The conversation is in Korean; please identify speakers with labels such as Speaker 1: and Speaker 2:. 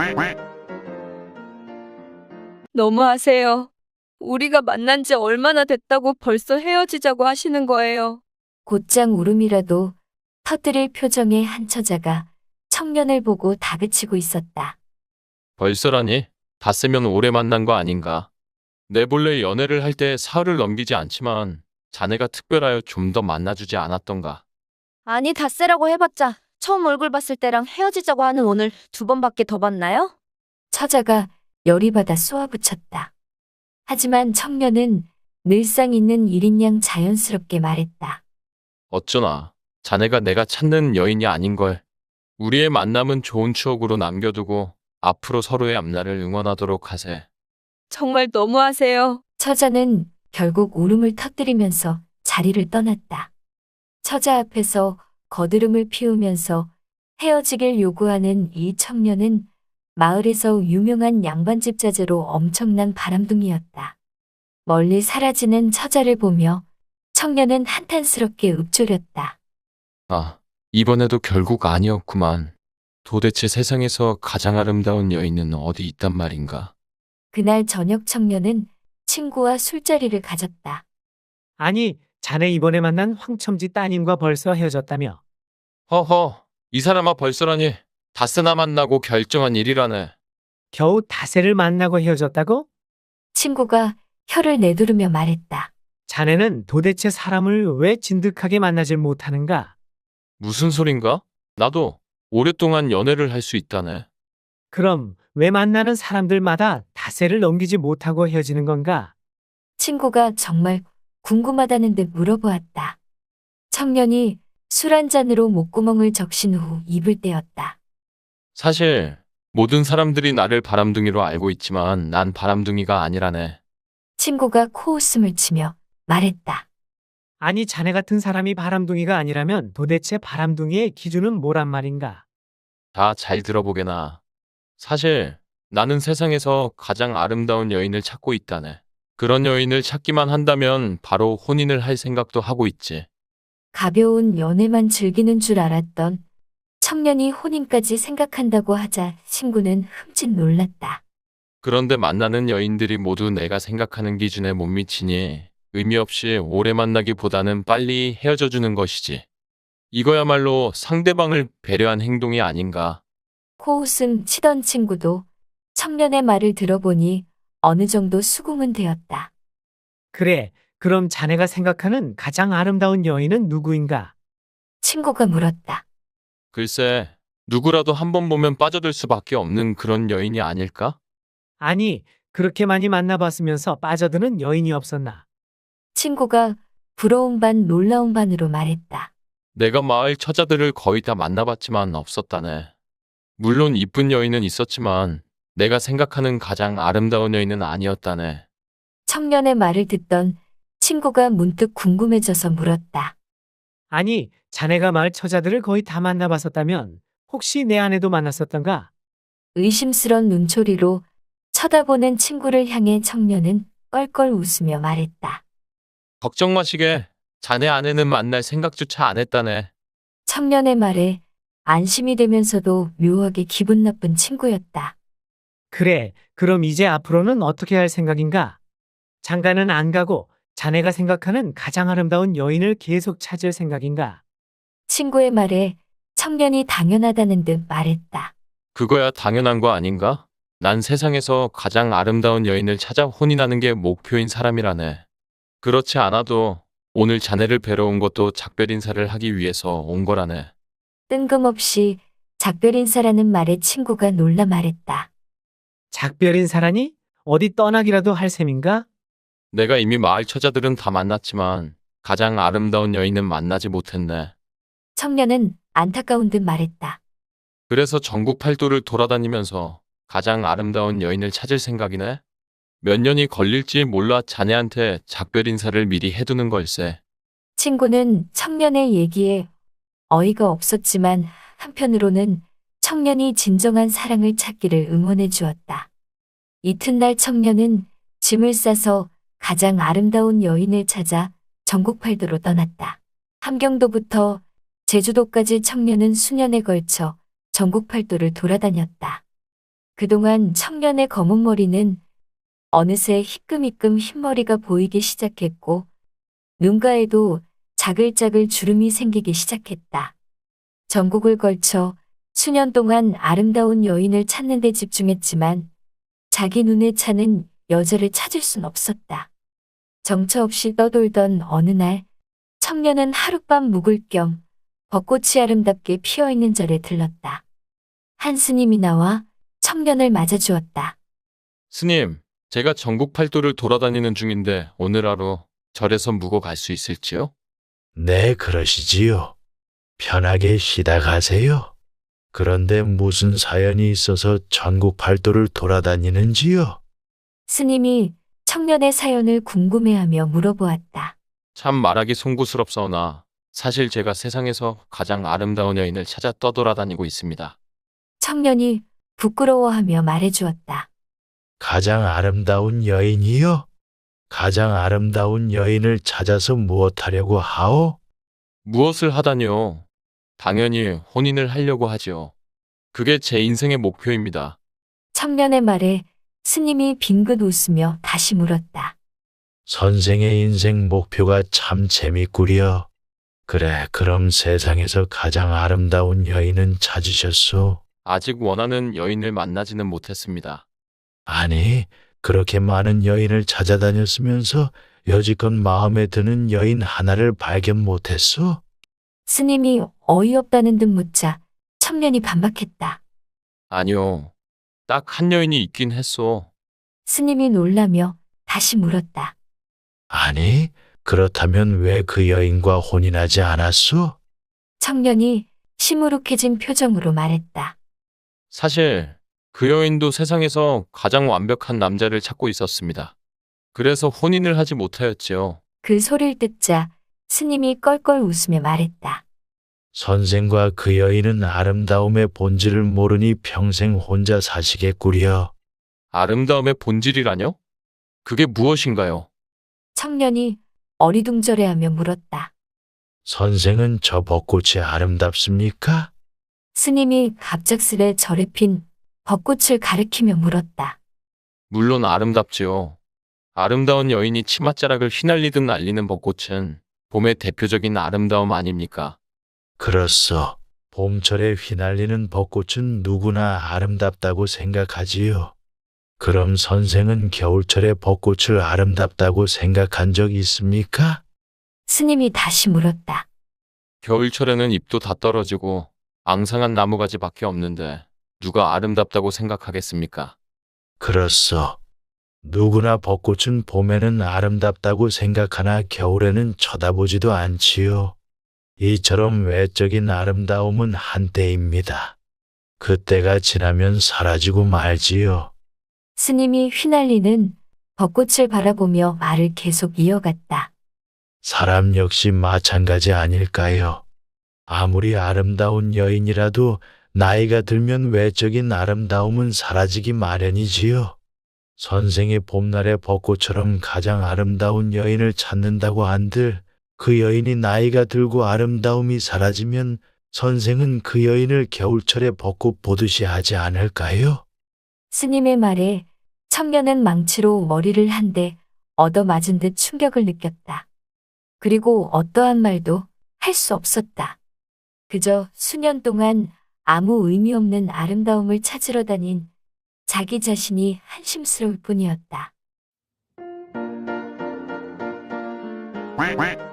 Speaker 1: 너무하세요. 우리가 만난 지 얼마나 됐다고 벌써 헤어지자고 하시는 거예요.
Speaker 2: 곧장 울음이라도 터뜨릴 표정의 한 처자가 청년을 보고 다그치고 있었다.
Speaker 3: 벌써라니? 닷새면 오래 만난 거 아닌가? 내 본래 연애를 할 때 사흘을 넘기지 않지만 자네가 특별하여 좀 더 만나주지 않았던가?
Speaker 4: 아니, 닷새라고 해봤자 처음 얼굴 봤을 때랑 헤어지자고 하는 오늘 2번밖에 더 봤나요?
Speaker 2: 처자가 열이 받아 쏘아붙였다. 하지만 청년은 늘상 있는 일인 양 자연스럽게 말했다.
Speaker 3: 어쩌나 자네가 내가 찾는 여인이 아닌걸. 우리의 만남은 좋은 추억으로 남겨두고 앞으로 서로의 앞날을 응원하도록 하세.
Speaker 1: 정말 너무하세요.
Speaker 2: 처자는 결국 울음을 터뜨리면서 자리를 떠났다. 처자 앞에서 거드름을 피우면서 헤어지길 요구하는 이 청년은 마을에서 유명한 양반집 자제로 엄청난 바람둥이였다. 멀리 사라지는 처자를 보며 청년은 한탄스럽게 읊조렸다.
Speaker 3: 아, 이번에도 결국 아니었구만. 도대체 세상에서 가장 아름다운 여인은 어디 있단 말인가?
Speaker 2: 그날 저녁 청년은 친구와 술자리를 가졌다.
Speaker 5: 아니, 자네 이번에 만난 황첨지 따님과 벌써 헤어졌다며.
Speaker 3: 허허, 이 사람아 벌써라니. 닷새나 만나고 결정한 일이라네.
Speaker 5: 겨우 닷새를 만나고 헤어졌다고?
Speaker 2: 친구가 혀를 내두르며 말했다.
Speaker 5: 자네는 도대체 사람을 왜 진득하게 만나질 못하는가?
Speaker 3: 무슨 소린가? 나도 오랫동안 연애를 할 수 있다네.
Speaker 5: 그럼 왜 만나는 사람들마다 닷새를 넘기지 못하고 헤어지는 건가?
Speaker 2: 친구가 정말 궁금하다는 듯 물어보았다. 청년이 술 한 잔으로 목구멍을 적신 후 입을 떼었다.
Speaker 3: 사실 모든 사람들이 나를 바람둥이로 알고 있지만 난 바람둥이가 아니라네.
Speaker 2: 친구가 코웃음을 치며 말했다.
Speaker 5: 아니, 자네 같은 사람이 바람둥이가 아니라면 도대체 바람둥이의 기준은 뭐란 말인가?
Speaker 3: 다 잘 들어보게나. 사실 나는 세상에서 가장 아름다운 여인을 찾고 있다네. 그런 여인을 찾기만 한다면 바로 혼인을 할 생각도 하고 있지.
Speaker 2: 가벼운 연애만 즐기는 줄 알았던 청년이 혼인까지 생각한다고 하자 친구는 흠칫 놀랐다.
Speaker 3: 그런데 만나는 여인들이 모두 내가 생각하는 기준에 못 미치니 의미 없이 오래 만나기보다는 빨리 헤어져 주는 것이지. 이거야말로 상대방을 배려한 행동이 아닌가.
Speaker 2: 코웃음 치던 친구도 청년의 말을 들어보니 어느 정도 수긍은 되었다.
Speaker 5: 그래, 그럼 자네가 생각하는 가장 아름다운 여인은 누구인가?
Speaker 2: 친구가 물었다.
Speaker 3: 글쎄, 누구라도 한 번 보면 빠져들 수밖에 없는 그런 여인이 아닐까?
Speaker 5: 아니, 그렇게 많이 만나봤으면서 빠져드는 여인이 없었나?
Speaker 2: 친구가 부러운 반 놀라운 반으로 말했다.
Speaker 3: 내가 마을 처자들을 거의 다 만나봤지만 없었다네. 물론 이쁜 여인은 있었지만 내가 생각하는 가장 아름다운 여인은 아니었다네.
Speaker 2: 청년의 말을 듣던 친구가 문득 궁금해져서 물었다.
Speaker 5: 아니, 자네가 마을 처자들을 거의 다 만나봤었다면 혹시 내 아내도 만났었던가?
Speaker 2: 의심스런 눈초리로 쳐다보는 친구를 향해 청년은 껄껄 웃으며 말했다.
Speaker 3: 걱정 마시게. 자네 아내는 만날 생각조차 안 했다네.
Speaker 2: 청년의 말에 안심이 되면서도 묘하게 기분 나쁜 친구였다.
Speaker 5: 그래, 그럼 이제 앞으로는 어떻게 할 생각인가? 장가는 안 가고 자네가 생각하는 가장 아름다운 여인을 계속 찾을 생각인가?
Speaker 2: 친구의 말에 청년이 당연하다는 듯 말했다.
Speaker 3: 그거야 당연한 거 아닌가? 난 세상에서 가장 아름다운 여인을 찾아 혼인하는 게 목표인 사람이라네. 그렇지 않아도 오늘 자네를 뵈러 온 것도 작별 인사를 하기 위해서 온 거라네.
Speaker 2: 뜬금없이 작별 인사라는 말에 친구가 놀라 말했다.
Speaker 5: 작별 인사라니? 어디 떠나기라도 할 셈인가?
Speaker 3: 내가 이미 마을 처자들은 다 만났지만 가장 아름다운 여인은 만나지 못했네.
Speaker 2: 청년은 안타까운 듯 말했다.
Speaker 3: 그래서 전국 팔도를 돌아다니면서 가장 아름다운 여인을 찾을 생각이네. 몇 년이 걸릴지 몰라 자네한테 작별 인사를 미리 해두는 걸세.
Speaker 2: 친구는 청년의 얘기에 어이가 없었지만 한편으로는 청년이 진정한 사랑을 찾기를 응원해 주었다. 이튿날 청년은 짐을 싸서 가장 아름다운 여인을 찾아 전국팔도로 떠났다. 함경도부터 제주도까지 청년은 수년에 걸쳐 전국팔도를 돌아다녔다. 그동안 청년의 검은 머리는 어느새 희끔희끔 흰머리가 보이기 시작했고 눈가에도 자글자글 주름이 생기기 시작했다. 전국을 걸쳐 수년 동안 아름다운 여인을 찾는 데 집중했지만 자기 눈에 차는 여자를 찾을 순 없었다. 정처 없이 떠돌던 어느 날 청년은 하룻밤 묵을 겸 벚꽃이 아름답게 피어있는 절에 들렀다. 한 스님이 나와 청년을 맞아주었다.
Speaker 3: 스님, 제가 전국 팔도를 돌아다니는 중인데 오늘 하루 절에서 묵어 갈 수 있을지요?
Speaker 6: 네, 그러시지요. 편하게 쉬다 가세요. 그런데 무슨 사연이 있어서 전국 팔도를 돌아다니는지요?
Speaker 2: 스님이 청년의 사연을 궁금해하며 물어보았다.
Speaker 3: 참 말하기 송구스럽사오나 사실 제가 세상에서 가장 아름다운 여인을 찾아 떠돌아다니고 있습니다.
Speaker 2: 청년이 부끄러워하며 말해주었다.
Speaker 6: 가장 아름다운 여인이요? 가장 아름다운 여인을 찾아서 무엇하려고 하오?
Speaker 3: 무엇을 하다니요? 당연히 혼인을 하려고 하지요. 그게 제 인생의 목표입니다.
Speaker 2: 청년의 말에 스님이 빙긋 웃으며 다시 물었다.
Speaker 6: 선생의 인생 목표가 참 재밌구려. 그래, 그럼 세상에서 가장 아름다운 여인은 찾으셨소?
Speaker 3: 아직 원하는 여인을 만나지는 못했습니다.
Speaker 6: 아니, 그렇게 많은 여인을 찾아다녔으면서 여지껏 마음에 드는 여인 하나를 발견 못했소?
Speaker 2: 스님이 어이없다는 듯 묻자 청년이 반박했다.
Speaker 3: 아니요. 딱 한 여인이 있긴 했소.
Speaker 2: 스님이 놀라며 다시 물었다.
Speaker 6: 아니, 그렇다면 왜 그 여인과 혼인하지 않았소?
Speaker 2: 청년이 시무룩해진 표정으로 말했다.
Speaker 3: 사실 그 여인도 세상에서 가장 완벽한 남자를 찾고 있었습니다. 그래서 혼인을 하지 못하였지요.
Speaker 2: 그 소리를 듣자 스님이 껄껄 웃으며 말했다.
Speaker 6: 선생과 그 여인은 아름다움의 본질을 모르니 평생 혼자 사시겠구려.
Speaker 3: 아름다움의 본질이라뇨? 그게 무엇인가요?
Speaker 2: 청년이 어리둥절해하며 물었다.
Speaker 6: 선생은 저 벚꽃이 아름답습니까?
Speaker 2: 스님이 갑작스레 절에 핀 벚꽃을 가리키며 물었다.
Speaker 3: 물론 아름답지요. 아름다운 여인이 치맛자락을 휘날리듯 날리는 벚꽃은 봄의 대표적인 아름다움 아닙니까?
Speaker 6: 그렇소. 봄철에 휘날리는 벚꽃은 누구나 아름답다고 생각하지요. 그럼 선생은 겨울철에 벚꽃을 아름답다고 생각한 적 있습니까?
Speaker 2: 스님이 다시 물었다.
Speaker 3: 겨울철에는 잎도 다 떨어지고 앙상한 나무가지밖에 없는데 누가 아름답다고 생각하겠습니까?
Speaker 6: 그렇소. 누구나 벚꽃은 봄에는 아름답다고 생각하나 겨울에는 쳐다보지도 않지요. 이처럼 외적인 아름다움은 한때입니다. 그때가 지나면 사라지고 말지요.
Speaker 2: 스님이 휘날리는 벚꽃을 바라보며 말을 계속 이어갔다.
Speaker 6: 사람 역시 마찬가지 아닐까요? 아무리 아름다운 여인이라도 나이가 들면 외적인 아름다움은 사라지기 마련이지요. 선생의 봄날의 벚꽃처럼 가장 아름다운 여인을 찾는다고 한들 그 여인이 나이가 들고 아름다움이 사라지면 선생은 그 여인을 겨울철의 벚꽃 보듯이 하지 않을까요?
Speaker 2: 스님의 말에 청년은 망치로 머리를 한 대 얻어맞은 듯 충격을 느꼈다. 그리고 어떠한 말도 할 수 없었다. 그저 수년 동안 아무 의미 없는 아름다움을 찾으러 다닌 자기 자신이 한심스러울 뿐이었다.
Speaker 7: quack quack